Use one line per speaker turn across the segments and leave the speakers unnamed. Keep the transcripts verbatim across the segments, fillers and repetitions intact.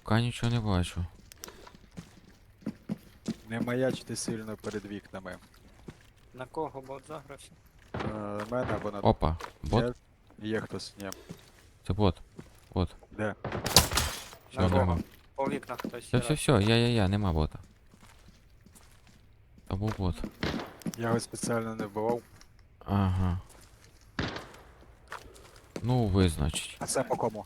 Поки нічого не бачу.
Не маячте сильно перед вікнами.
На кого бот загрався?
Е, На мене або на...
Опа, бот?
Є, є хтось, ні.
Це бот. Бот.
Де?
Все,
На кого?
нема.
По вікнах хтось.
Все, все, все, я, я, я, нема бота. Та був бот.
Я його спеціально не вбивав.
Ага. Ну, ви, значить.
А це по кому?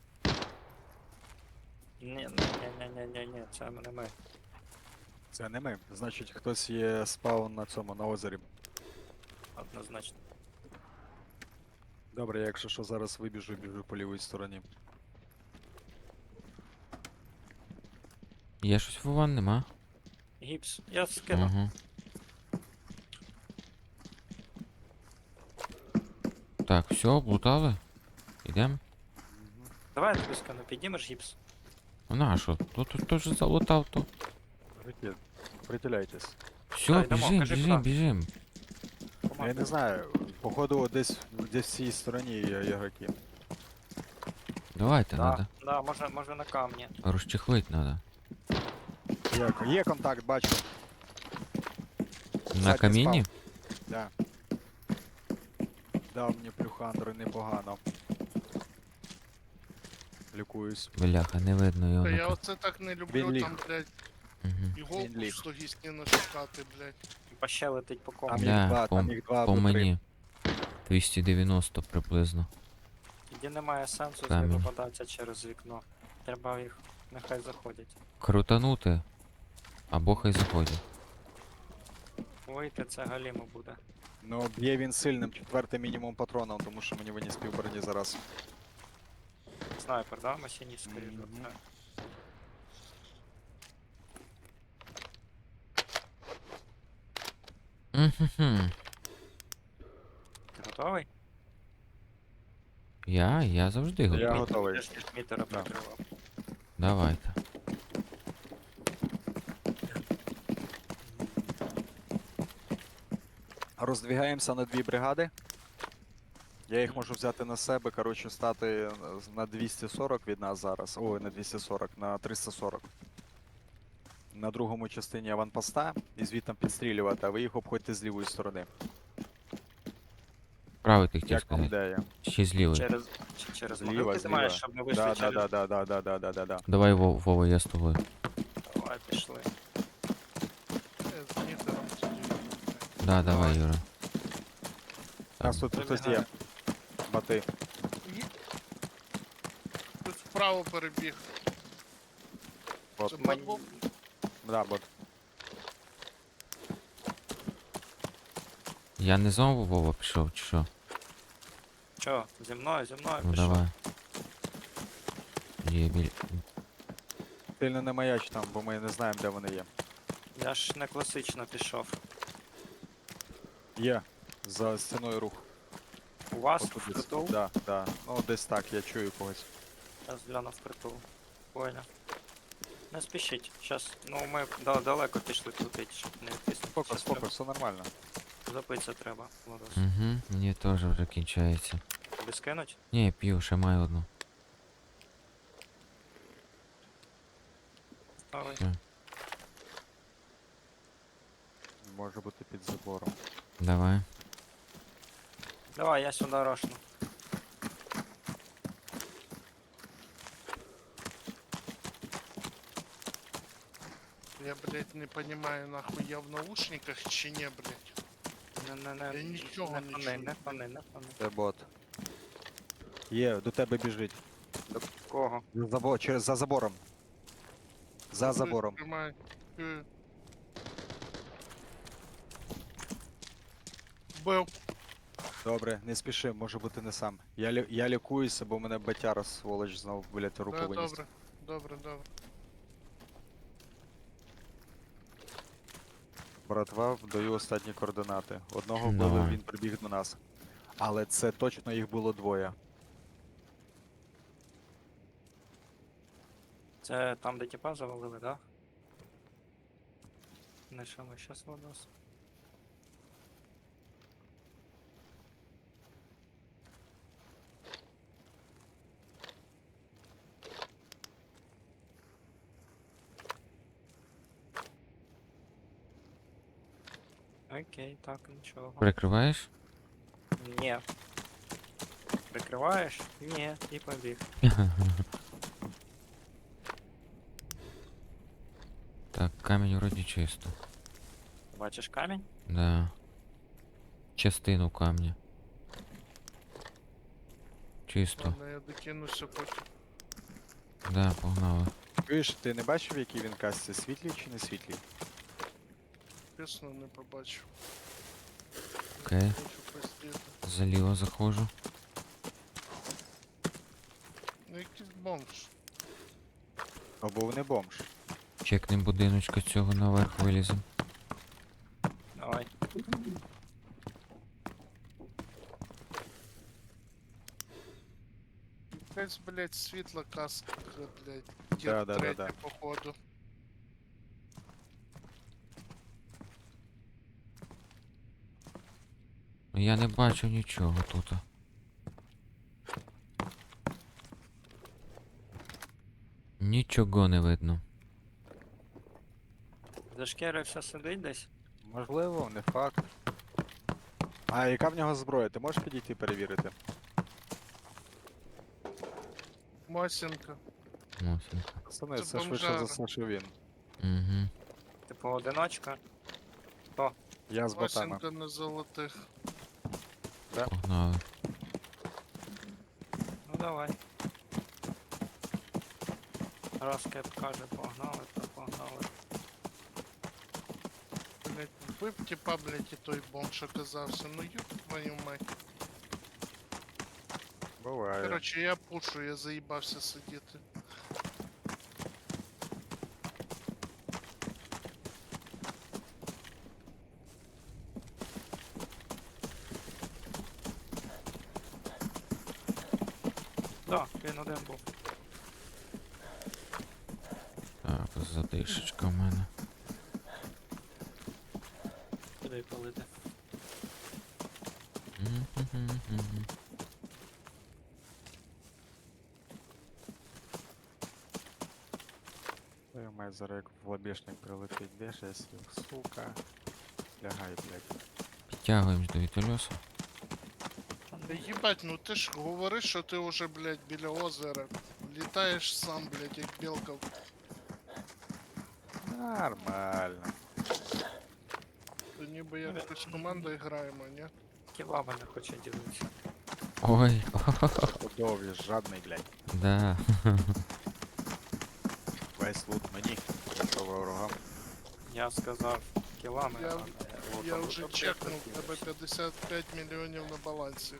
Ні, ні, ні, ні, ні, ні, це не ми.
Це не ми. Значить, хтось є спаун на цьому, на озері.
Однозначно.
Добре, я якщо що зараз вибіжу, біжу по лівій стороні.
Є щось в ван, нема?
Гіпс. Я скину.
Угу. Так, все, облутали. Ідем.
Давай я тобі скину, піднімеш гіпс.
Ну на що? Тут тут теж залутав то.
Притіл... Притіляйтесь.
Все,
Так, йдемо,
біжим,
кажи,
біжим,
куди.
біжим.
Я не знаю, походу десь, десь в цій стороні є ігроки.
Давайте,
Да,
надо.
да, може, може на камні.
Розчехлить надо.
Є, є контакт, бачу.
На
Задній
камінні?
Да. Дав мені плюхандр непогано. Лікуюсь.
Бляха, не видно його.
Та я
ну-ка.
оце так не люблю,
Він ліг.
там, блядь,
Мгм.
іголку
Він ліг.
в стогі стіни шукати, блядь.
Па ще летить по кому.
Там їх
Да,
два,
по,
там їх два
по
або три.
мені. двісті дев'яносто приблизно.
Тоді немає сенсу
Камінь.
випадатися через вікно. Треба їх, нехай заходять.
Крутанути. Або хай заходять.
Вийти це галімо буде.
Ну, б'є він сильним четвертим мінімум патроном, тому що мені виніс півброні зараз.
Снайпер, да? Масініст, скоріш за
Мгм.
все.
Мгм.
Ти готовий?
Я? Я завжди готовий.
Я готовий.
Я ж мітера
Да.
прикривав.
Давайте.
Роздвігаємося на дві бригади. Я їх можу взяти на себе, коротше, стати на двісті сорок від нас зараз. Ой, на двісті сорок, на триста сорок. На другому частині аванпоста і звідти підстрілювати, а ви їх обходьте з лівої сторони.
Правий ти хотів
Як вам
сказати.
ідея?
Ще з лівої.
Через, чи через
Зліва,
могилки ти
зліва.
маєш, щоб ми вийшли
Да, да,
через...
да, да, да, да, да, да, да, да.
Давай, Вов- Вова, я з тобою.
Давай, пішли.
Я з мітером тоді.
Да, давай, Юра.
У нас тут хтось є. Бати.
Ні. Тут вправо перебіг.
От.
Це
Мені-
бот був?
Да, бот.
Я не знову Вова пішов, чи що?
Чо, зі мною, зі мною
Ну
пішов.
давай. Є біль...
Сильно не маяч там, бо ми не знаємо, де вони є.
Я ж не класично пішов.
Є. За стіною рух.
У вас
Отут десь.
впритул?
Да, да. Ну десь так, я чую когось.
Я згляну впритул. Понял. Не спішіть. Щас, ну ми да- далеко пішли крутить, щоб не відтиснути.
Спокій,
Щас
спокій,
треба-
все нормально.
Запитися треба, Владос.
Угу, мені теж вже кінчається.
Тобі скинуть?
Ні, п'ю, ще маю одну.
Давай.
Все,
Може бути під забором.
давай.
Давай, я сюди рошну.
Я, блядь, не понимаю, нахуй я в наушниках чи ні, блядь.
Не, не, не,
Я нічого
не
не
фани,
чую.
не фани, не фани.
Це бот. Є, до тебе біжить.
До кого?
За забо- через за забором. За забором.
Тримай. Е. Бив.
Добре, не спіши, може бути не сам. Я, лі... я лікуюся, бо мене батяра сволоч знов, блядь, руку
Да,
виніс.
добре, добре, добре.
Братва, даю останні координати. Одного вбили,
Давай.
він прибіг до нас. Але це точно їх було двоє.
Це там, де тіпа завалили, да? Не що ми щас Владос. Окей, так, нічого.
Прикриваєш?
Ні. Прикриваєш? Ні, і побіг.
Так, камінь вроді чисто.
Бачиш камінь?
Да. Частину камня. Чисто.
Ладно, я докинуся потім.
Да, погнали.
Чуєш, ти не бачив, який він касці, світлий чи не світлий?
Чесно, не побачив.
Окей.
Хочу посидіти.
Заліво заходжу.
Ну якийсь бомж.
Або не бомж.
Чекнем будиночка цього наверх вилізем.
Давай.
Якась, блядь, світла каска, блядь.
Да,
Дід
да, да,
третя,
да.
походу.
Я не бачу нічого тут. Нічого не видно.
Зашкірився сидить десь?
Можливо, не факт. А яка в нього зброя? Ти можеш підійти перевірити?
Масенка.
Мосинка.
Пацани,
Це
це швидше
бомжара.
за все, що він.
Угу.
Типу одиночка?
Я з ботами.
Масенка на золотих.
Погнали.
Ну давай. Раз кеп каже погнали, то погнали.
Блядь, вбив типа, блядь, і той бомж оказався. Ну ёб твою мать.
Буває.
Короче, я пушу, я заїбався сидіти.
Так, він один був.
Так, затишечка в мене.
Куди палити?
Мгм-гм-гм.
Я маю зараз як в лобешник прилетить, де ж я сів, сука. Лягай, блядь.
Підтягуємось до вітольоса.
Та їбать, ну ти ж говориш, що ти уже, блядь, біля озера. Літаєш сам, блядь, як білка.
Нормально.
То ніби як якось командою граємо, ні?
Кілами не хоче ділитися.
Ой,
Подов'я, жадний, блядь.
да.
Весь лут мені. Що ворогам.
Я сказав кілами,
Я-
а не
Я
лутом.
вже
Лутом
чекнув,
я
тебе п'ятдесят п'ять мільйонів на балансі.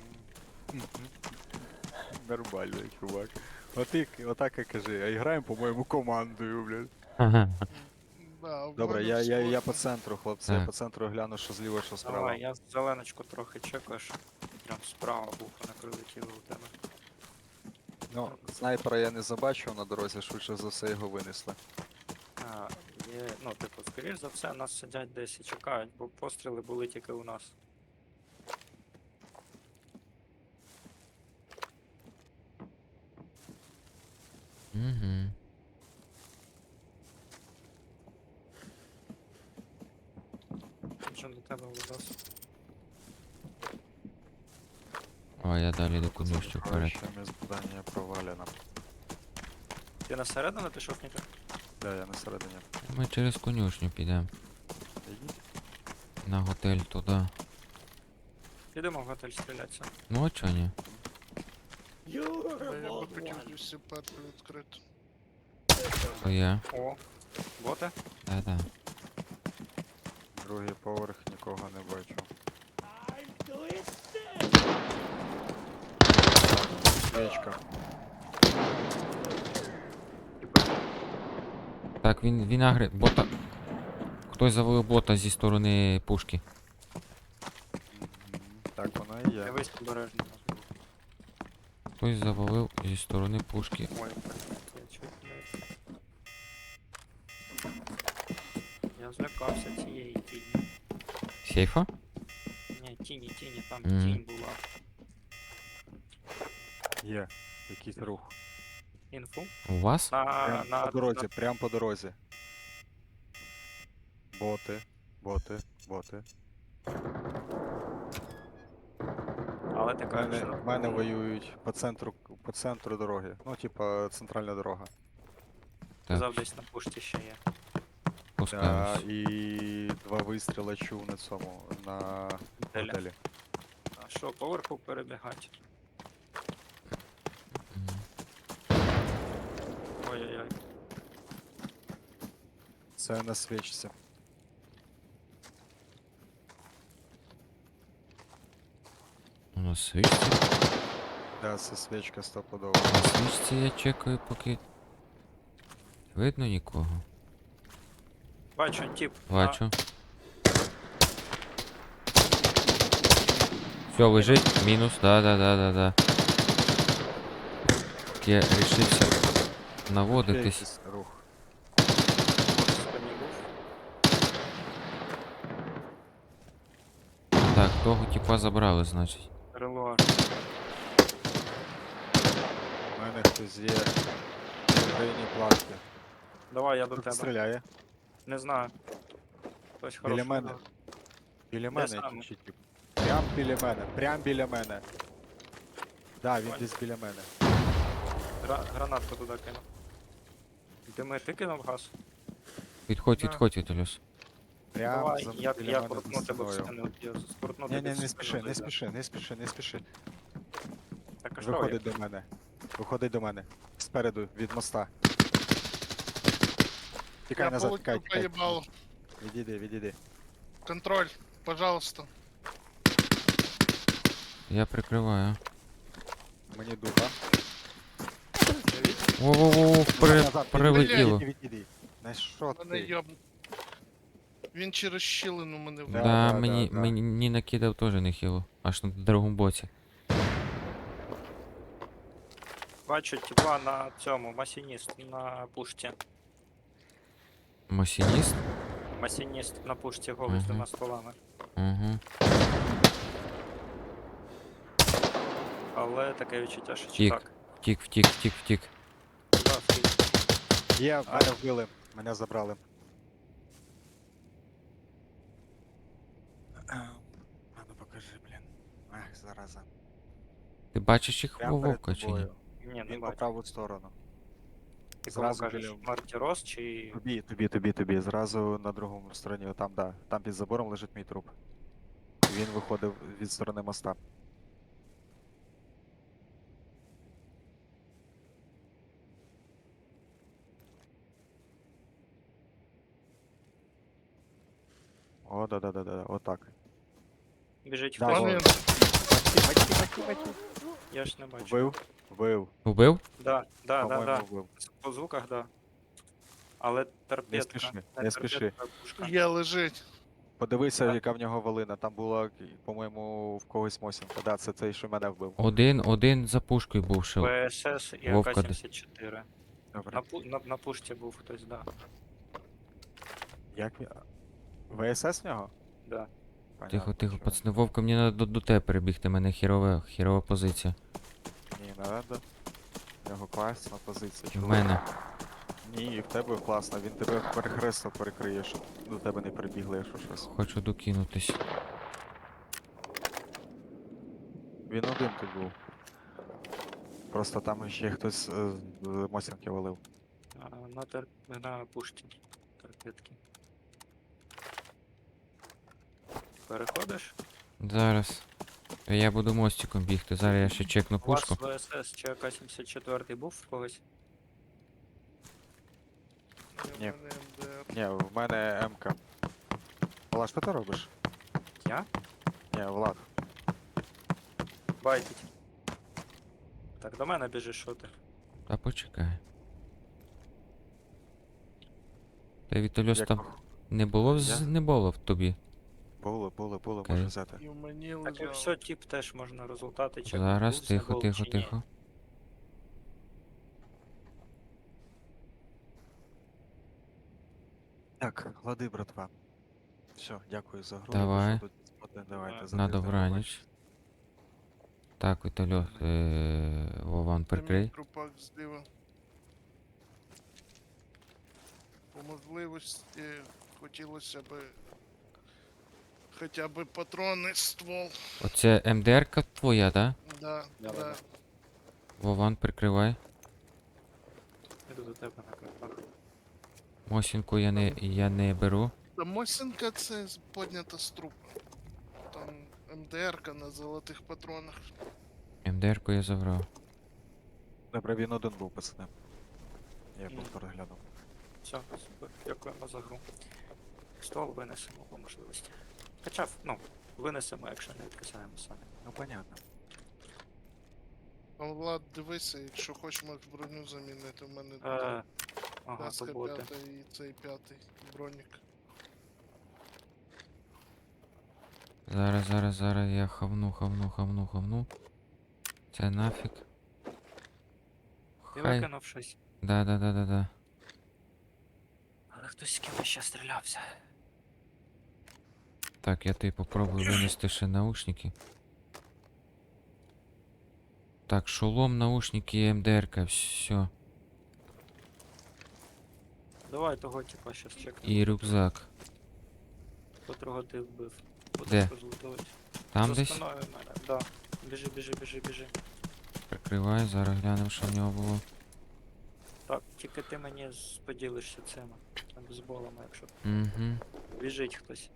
Нормально, чувак. Отак, отак і кажи, а граємо, по-моєму, командою, блядь.
Да, в
Добре,
мене
я, я, я
сложно.
по центру, хлопці, я
Так.
по центру гляну, що зліва, що справа.
Давай, я зеленочку трохи чекаєш. Прям справа був, не прилетіло у тебе.
Ну, снайпера я не забачив на дорозі, швидше за все його винесли.
А, є, ну, типу, скоріш за все, нас сидять десь і чекають, бо постріли були тільки у нас.
Угу.
Що до тебе Лудос?
О, я далі до конюшню вперед.
Ще здання провалено.
Ти на середину пішов, Ніка?
Да, я на середині.
Ми через конюшню підемо.
Ідіть.
На готель туди.
Підемо в готель стрілятися.
Ну а чо ні?
Та Я би хотів усі перти відкрити.
То я.
О, боти?
Да-да.
Другий поверх, нікого не бачу. Свічка.
Так, він, він агри... бота... Хтось завалив бота зі сторони пушки.
Мгм. Так воно і є.
Дивись обережно.
Хтось завалив зі сторони пушки.
Ой, блядь, я чуть не... Я злякався цієї тіні.
Сейфа?
Ні, тіні, тіні, там
Мгм.
тінь була.
Є. Якийсь рух.
Інфу?
У вас?
На,
Прям
на,
по дорозі, прям по дорозі. Боти, боти, боти.
Але ти
В
кажеш,
мене,
що
в мене воюють по центру, по центру дороги. Ну, типа, центральна дорога.
казав, десь на пушті ще є.
Да,
Пускаюсь.
і два вистріли чув на цьому, на
Деля.
готелі.
А що, поверху перебігать?
Мгм.
Ой-ой-ой.
Це на свічці.
У нас свічці.
Да, це свічка стопудово.
На свічці я чекаю, поки. Видно нікого.
Бачу, тип.
Бачу. Все, лежить. Мінус. Да, да, да, да, да. Я рішився
Ще
наводитись.
якийсь рух.
На спині був.
Так, того типа забрали, значить.
Релуар.
У мене хтось є в районі платки.
Давай, я до
Тут
тебе.
стріляє.
Не знаю. Хтось
Біля
хороший.
мене.
удар.
Біля мене
саме?
чи тип. Прям біля мене, прям біля мене. Да, він
Понял.
десь біля мене.
Гра- Гранатку туди кинув. Дими, ти кинув газ?
Відходь,
Да.
відходь, Віталюс.
Прям
Давай,
за,
я,
біля
я
мене
крутну
за
тебе в
стіною.
спину. Я скрутну
Ні,
тебе
ні,
в
не
спину
спіши, не
зайду.
спіши, не спіши, не спіши, не спіши.
Так, а що я?
Виходить до мене. Виходить до мене. Спереду, від моста. Тікай
Я
назад, тікай,
получил
тікай.
поебал.
Відійди, відійди.
Контроль, пожалуйста.
Я прикриваю.
Мені духа.
Воу-воу-воу, при...
Назад,
прилетіло.
Відійди, відійди. На що
Мене
ти?
йоб... Він через щілину мене
Да,
вбив.
Да,
да,
мені,
да, да.
мені накидав теж нехило. Аж на другому боці.
Бачу, типа на цьому, масініст на пушті.
Масініст?
Масініст на пушті голий з
Мгм.
двома стволами.
Угу.
Але таке відчуття, що
Втік.
так.
Втік, втік, втік, втік.
Да, скільки.
Є, мене вбили. Мене забрали. А ну покажи, блін. Ах, зараза.
Ти бачиш їх
Прямо перед
Вовка чи ні?
тобою.
Ні, не
Він по
бачу.
праву сторону.
Ти кому
зразу
кажеш,
біля-
Марті Рос чи...
Тобі, тобі, тобі, тобі. Зразу на другому стороні. Там, да. Там під забором лежить мій труп. Він виходив від сторони моста. О, да, да, да, да, отак.
Біжить
Да,
хтось?
Вон
вон.
він.
Бачки, бачки, бачки, бачки.
Я ж не бачу.
Вбив, вбив.
Убив?
Да, да, да,
По-моєму,
да.
вбив.
По звуках, да. Але торпедка.
спіши, не
торпедка,
спіши.
а пушка.
Є лежить.
Подивися,
Так.
яка в нього волина. Там була, по-моєму, в когось Мосінка. Да, це цей, що мене вбив.
Один, один за пушкою був ще.
ВСС і
Вовка
АК
де-
сімдесят чотири.
Добре.
На, пу... на, на пушті був хтось, да.
Як він? ВСС в нього?
Да.
Тихо,
Понятно,
тихо,
чого.
пацани, Вовка, мені треба до, до тебе перебігти, мене хірова, хірова позиція.
Ні, не надо. В нього класна позиція.
В
чувак.
мене.
Ні, і в тебе класно. Він тебе перехрестно перекриє, щоб до тебе не прибігли, якщо щось.
Хочу докинутись.
Він один тут був. Просто там ще хтось е, з Мосінки валив.
А, на, тер... на пушті. Торпедки. Переходиш?
Зараз. Я буду мостиком бігти, зараз я ще чекну
У вас
пушку.
ВСС чи АК сімдесят чотири був в когось?
Ні.
У мене МДР.
Ні, в мене МК. Влад, що ти робиш?
Я?
Ні, Влад.
Байтить. Так, до мене біжиш, що ти?
Та почекай. Та Вітальос
Як
там не було, з...
Я?
не було в тобі.
було, було, було,
Окей.
можу взяти.
І в мені
Так і
лежав.
все, тип теж можна результати чекати.
Зараз,
був
тихо,
забол
тихо,
чи ні.
тихо.
Так, лади, братва. Все, дякую за гру.
Давай.
Якщо тут споти, давайте
На
за
На
тиждень
добраніч.
побачимось.
Так, Вітальос, е... Вован,
Це мій
прикрий.
трупак зліва. По можливості хотілося б Хоча б патрони, ствол.
Оце МДР-ка твоя, да?
Да,
Да,
да.
да.
Вован, прикривай.
Іду до тебе на крипах.
Мосінку я не, я не беру.
Та Мосінка це з- поднята з трупа. Там МДРка на золотих патронах.
МДР-ку я забрав.
Добре, він один був, пацани. Я
Мгм.
був переглянув.
Все, супер. Дякуємо за гру. Ствол винесемо по можливості. Хоча, ну, винесемо, якщо не відкисаємо самі.
Ну, понятно.
А Влад, дивися, якщо хочеш, можеш броню замінити. У мене
Е, ага,
Каска
то боти.
п'ята і цей п'ятий бронік.
Зараз, зараз, зараз я хавну, хавну, хавну, хавну. Це нафіг.
Ти
Хай.
викинув щось.
Да, да, да, да, да.
Але хтось з кимось ще стрілявся.
Так, я тобі попробую винести ще наушники. Так, шолом, наушники і МДР-ка, все.
Давай того типа щас чекнемо.
І рюкзак.
Котрого ти вбив.
Де?
Будеш розлутувати.
Там
За
десь?
спиною в мене, да. Біжи, біжи, біжи, біжи.
Прикривай, зараз глянемо, що в нього було.
Так, тільки ти мені з- поділишся цими бейсболами, якщо
Угу.
біжить хтось.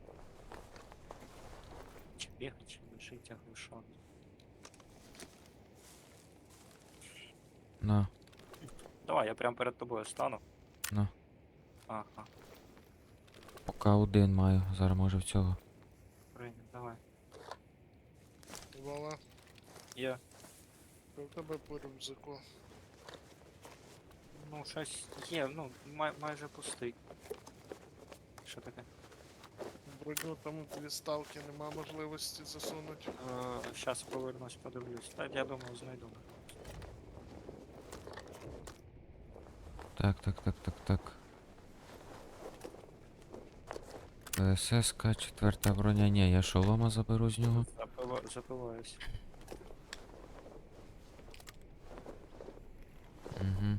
Чи бігать, чи біжить, я глушу.
На,
Давай, я прям перед тобою стану.
на.
Ага,
Поки один маю, зараз може в цього.
прийняв, давай.
Вова,
Є.
що в тебе по рюкзаку?
Ну, щось є, ну, май, майже пустий. Що таке?
Броню там дві ставки, нема можливості засунути.
Е, щас повернусь, подивлюсь. Та я думаю, знайду.
Так, так, так, так, так. ПСС-ка, четверта броня. Ні, я шолома заберу з нього.
Запила, запиваюсь.
Угу.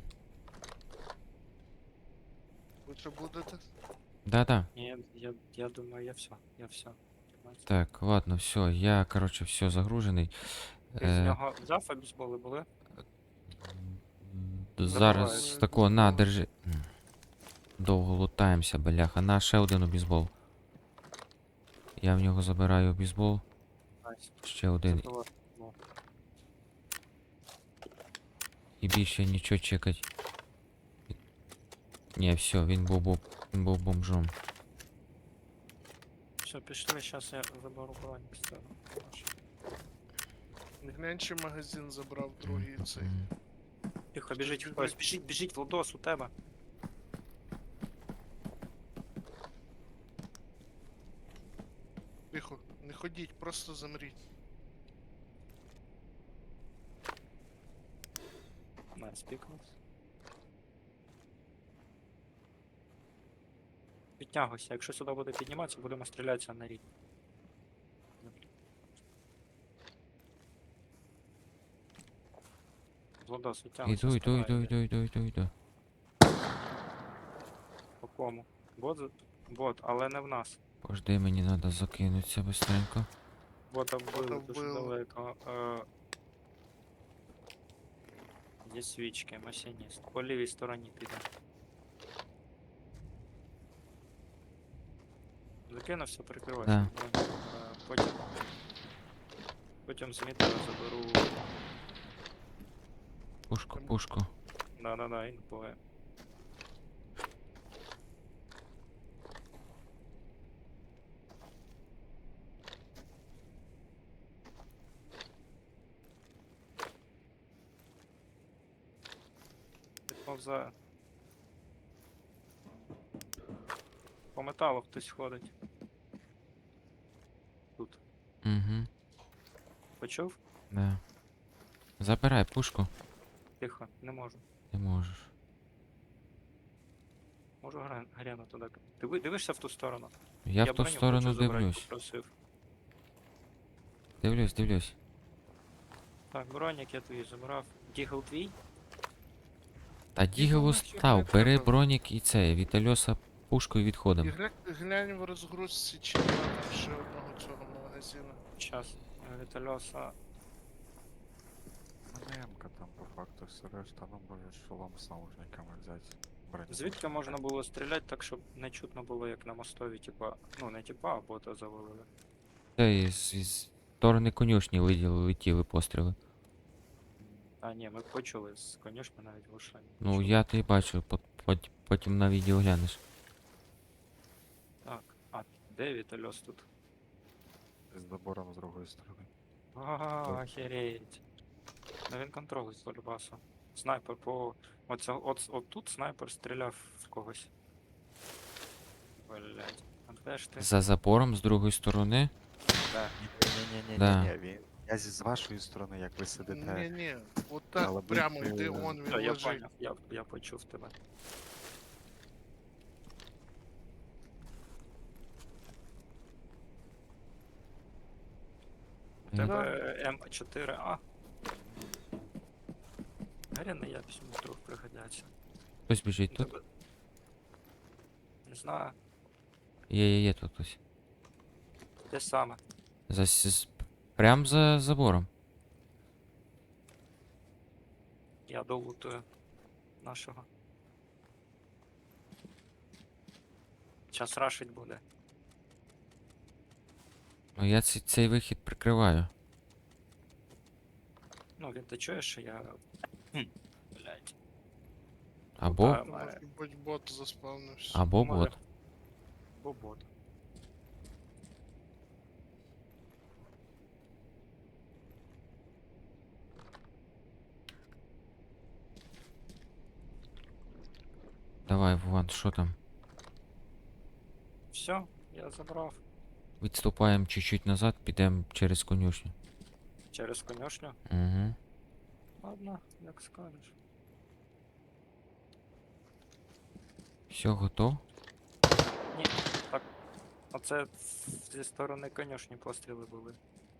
Ви що будете?
Да-да.
Ні, я, я думаю, я все, я все.
Так, ладно, все, я, короче, все загружений.
Ти з
Е,
нього взяв бейсболи були?
м,
Забуваю.
Зараз тако, на, держи. М. Довго лутаємося, бляха. На, ще один обізбол. Я в нього забираю обізбол.
Найс.
Ще один.
Запиваю. Ну,
І більше нічого чекать. Ні, все, він був, бом- він був бомжом.
Все, пішли, зараз я заберу бронік з цього.
Не глянь, чи магазин забрав другий цей.
М.
Тихо, біжить
біжить.
хтось, біжить, біжить, Владос, у тебе.
Тихо, не ходіть, просто замріть.
Найс, пікнув. Підтягуйся, якщо сюди буде підніматися, будемо стрілятися на рік. Владос, відтягуйся.
Іду, іду,
спиною
іду,
йди.
іду, іду, іду, іду.
По кому? Бот, за- бот, але не в нас.
Пожди, мені треба закинутися быстренько.
Бота вбили
Бота
дуже
вбили.
далеко. Е... Є свічки, масініст. По лівій стороні піде. Закинувся, прикривайся.
Да.
Е, Потім. Потім змітера заберу.
Пушку, пушку.
Да-да-да, інфоє. Підповзає. По металу хтось ходить. Тут.
Угу,
Почув?
да. Забирай пушку.
Тихо, не можу.
Ти можеш.
Можу гра- гряну туди. Диви, дивишся в ту сторону?
Я, в ту
броню
сторону
хочу забрати,
дивлюсь.
попросив.
Дивлюсь, дивлюсь.
Так, бронік я твій забрав. Дігл твій?
Та дігелу
нахер
став,
не
бери
треба.
бронік і це, Вітальоса пушкою
І
відходимо.
глянь, глянь в розгрузці, чи нема там ще одного цього магазину.
Час. Вітальоса.
У мене М-ка там по факту все решта, ну може шолом з наушниками взяти. Броню.
Звідки можна було стріляти так, щоб не чутно було, як на мостові, типа, ну не типа, а бота завалили.
Це із, із сторони конюшні летіли, летіли постріли.
А ні, ми почули з конюшні навіть глушення.
Ну
почули.
я то і бачу, пот- пот- потім на відео глянеш.
Так, а де Вітальос тут?
З добором з другої сторони.
А, охереть. Ну він контролить по любасу. Снайпер по. Оце, от, от тут снайпер стріляв в когось. Блять. А де ж ти?
За забором з другої сторони.
Де?
Ні-ні-ні,
Да.
ні, він. Я зі з вашої сторони, як ви сидите.
Ні-ні, отак
Але
прямо
будь,
йди,
е,
он він
Та, я
лежить.
поняв, я, я почув тебе. У
Ні.
тебе М чотири А. Гаряний я всьому вдруг пригодяться.
Хтось біжить
У
тут.
тебе- Не знаю,
Є, є, є тут хтось.
де саме.
За, с- з- прям за забором.
Я долутую нашого. Час рашить буде.
Ну я ці- цей вихід прикриваю.
Ну, він ти чуєш, що я. Хм, блять.
Або,
Та,
Може бути бот заспавнився.
або
може.
бот.
Або бот.
Давай, Вован, що там?
Все, я забрав
Відступаємо чуть-чуть назад, підемо через конюшню.
через конюшню.
Угу.
Ладно, як скажеш.
Все, готов?
Ні, так. Оце зі сторони конюшні постріли були.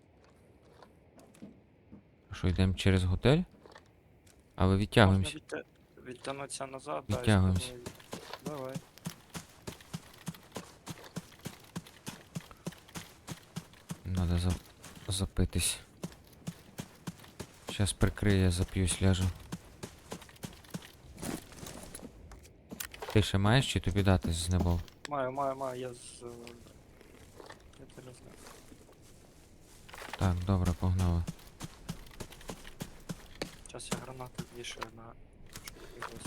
Що, йдемо через готель? А ви відтягуємося.
Можна відтя... відтягнутися назад, да, і
Відтягуємось.
спробуй. Давай.
Надо за... запитись. Сейчас прикриє, зап'юсь, ляжу. Ти ще маєш чи тобі дати з небов?
Маю, маю, маю, я з. е, Я тебе знаю.
Так, добре, погнали.
Зараз я гранату вішаю на якогось.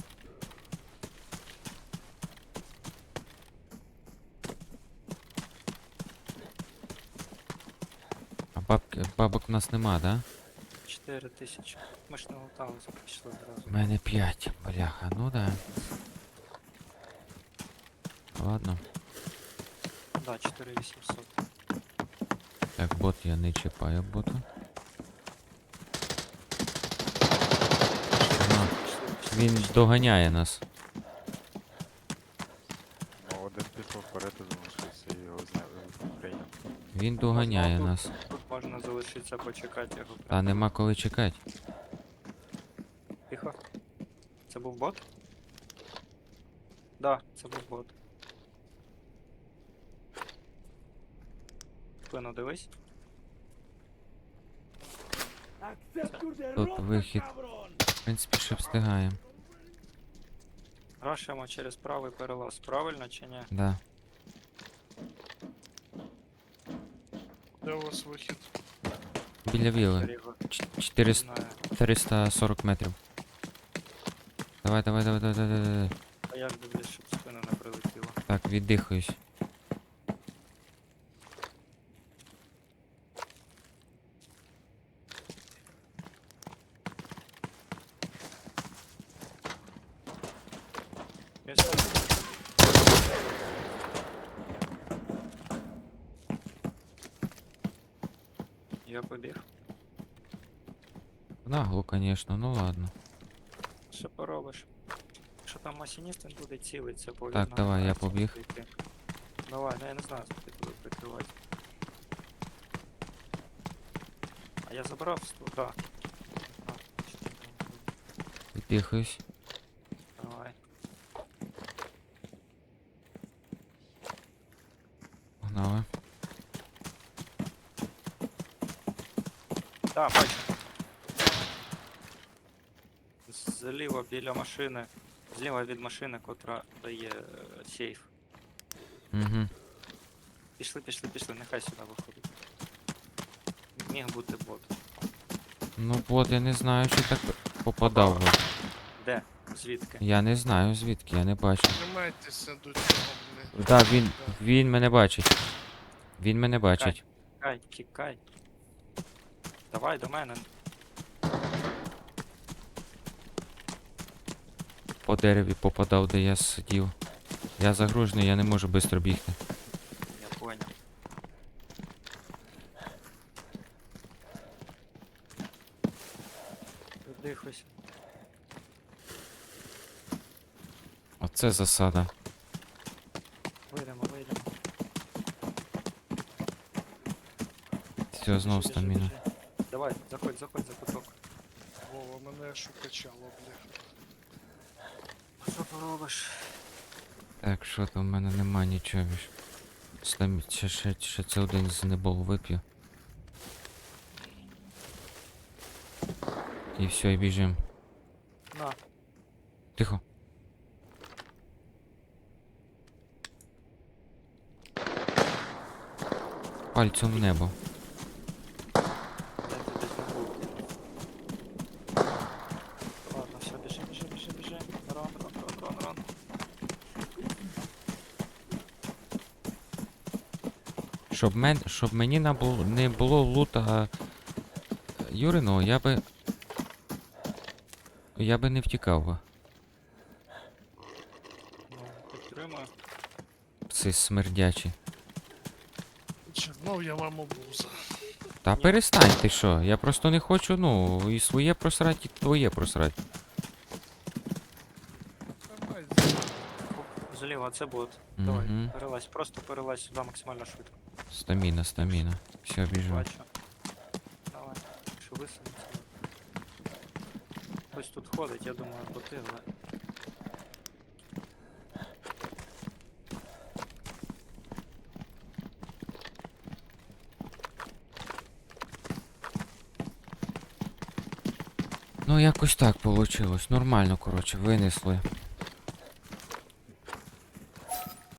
А бабки, бабок у нас нема, да?
чотири тисячі. Ми ж не луталися, пішли одразу.
У мене п'ять, бляха, ну да. Ладно.
Да, чотири вісімсот.
Так, бот я не чіпаю бота. Ну,
Пішли,
він доганяє нас.
Ну, один пішов вперед і залишився і його зняли прийняв.
Він доганяє
тут-
нас.
Тут можна залишитися почекати його.
Та нема коли чекати.
Тихо. Це був бот? Да, це був бот. Спину дивись.
Тут вихід. В принципі, ще встигаємо.
Рашимо через правий перелаз. Правильно чи ні?
Да.
Де у вас вихід?
Біля віли.
Ріго.
Ч-
Не
чотириста
знаю.
чотириста сорок метрів. Давай, давай, давай, давай, давай, давай.
А як дивлюсь, щоб спина не прилетіла.
Так, віддихаюсь.
Я сюди. Я побіг.
Нагло, конечно, ну ладно.
Що поробиш? Що там масініст він буде цілиться, бо
Так,
він
давай, я
намагається
побіг.
прийти. Давай, ну я не знаю, скільки тебе прикривати. А я забрав ствол, да. А, що там було?
Віддихаюсь.
Давай.
Погнали.
Так, бачу. Зліва біля машини. Зліва від машини, котра дає е, сейф.
Угу.
Пішли, пішли, пішли, нехай сюди виходить. Міг бути бот.
Ну от, я не знаю, чи так попадав. би.
Де? Звідки?
Я не знаю звідки, я не бачу.
Тримайтеся до цього, блядь.
Так, він, він мене бачить. Він мене бачить.
Тікай, тікай. Давай до мене.
По дереві попадав, де я сидів. Я загружений, я не можу швидко бігти.
Я понял. Дихайся.
Оце засада.
Вийдемо, вийдемо.
Все, знов
Біжи, біжи,
стаміна.
біжи. Давай, заходь, заходь за куток.
Вова, мене аж укачало, блядь.
Що поробиш?
Так, що там в мене нема нічого більш. Стамі... Ще, ще, ще це один з небол вип'ю. І все, і біжим.
На.
Тихо. Пальцем в небо.
Я тебе десь не був. Ладно, все, біжи, біжи, біжи, біжи. Рон, рон, рон, рон, рон.
Щоб, мен... Щоб мені не було, не було лута Юриного, я би. Я би не втікав би.
Ну, підтримую.
Пси смердячі.
Чернов я вам обуза.
Та перестань ти що, я просто не хочу, ну, і своє просрать, і твоє просрать.
Тримайте.
Оп, зліва, це бот. Давай,
Угу.
перелазь, просто перелазь сюди максимально швидко.
Стаміна, стаміна. Все, біжу.
Бачу. Давай, що висунеться. Хтось тут ходить, я думаю, боти, але...
Ну, якось так получилось. Нормально, коротше, винесли.